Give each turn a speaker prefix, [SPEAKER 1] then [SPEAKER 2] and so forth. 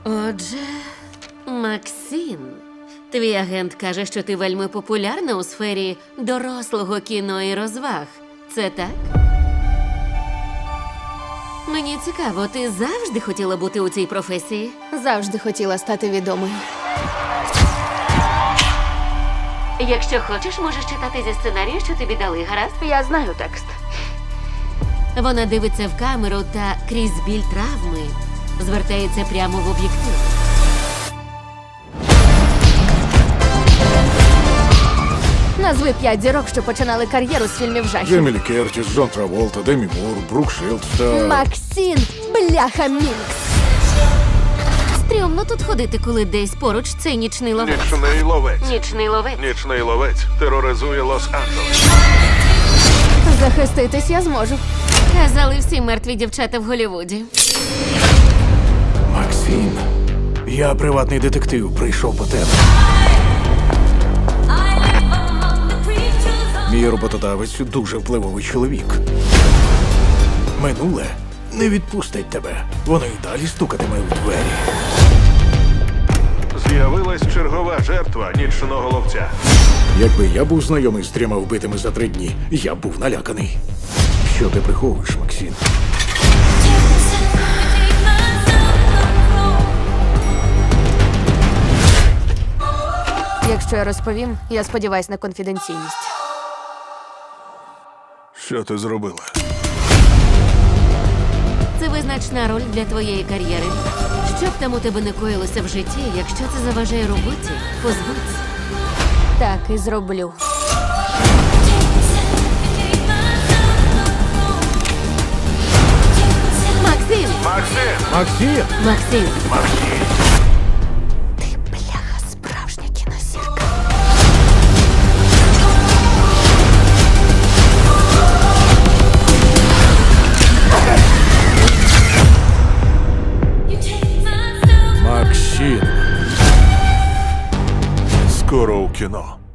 [SPEAKER 1] Отже, Максим, твій агент каже, що ти вельми популярна у сфері дорослого кіно і розваг. Це так? Мені цікаво, ти завжди хотіла бути у цій професії?
[SPEAKER 2] Завжди хотіла стати відомою.
[SPEAKER 1] Якщо хочеш, можеш читати зі сценарію, що тобі дали, гаразд?
[SPEAKER 2] Я знаю текст.
[SPEAKER 1] Вона дивиться в камеру та крізь біль травми звертається прямо в об'єктив.
[SPEAKER 2] Назви 5 зірок, що починали кар'єру з фільмів жахів.
[SPEAKER 3] Джемі Лі Кертіс, Джон Траволта, Демі Мур, Брук Шилдс та...
[SPEAKER 2] Максим, бляха Мінкс.
[SPEAKER 1] Стрьомно тут ходити, коли десь поруч цей нічний ловець.
[SPEAKER 4] Нічний ловець.
[SPEAKER 1] Нічний ловець.
[SPEAKER 4] Нічний ловець тероризує Лос-Анджелес.
[SPEAKER 2] Захиститись я зможу.
[SPEAKER 1] Казали всі мертві дівчата в Голлівуді.
[SPEAKER 3] Максим, я приватний детектив, прийшов по тебе. Мій роботодавець дуже впливовий чоловік. Минуле не відпустить тебе. Воно й далі стукатиме у двері.
[SPEAKER 4] З'явилась чергова жертва нічного ловця.
[SPEAKER 3] Якби я був знайомий з 3 вбитими за 3 дні, я б був наляканий. Що ти приховуєш, Максим?
[SPEAKER 2] Якщо я розповім, я сподіваюсь на конфіденційність.
[SPEAKER 4] Що ти зробила?
[SPEAKER 1] Це визначна роль для твоєї кар'єри. Що б там у тебе не коїлося в житті, якщо це заважає роботі, позбудься.
[SPEAKER 2] Так і зроблю.
[SPEAKER 1] Максим!
[SPEAKER 4] Максим!
[SPEAKER 3] Максим!
[SPEAKER 1] Максим!
[SPEAKER 4] Максим!
[SPEAKER 2] Ти, бляха, справжня кінозірка.
[SPEAKER 3] Максим!
[SPEAKER 4] Скоро у кіно.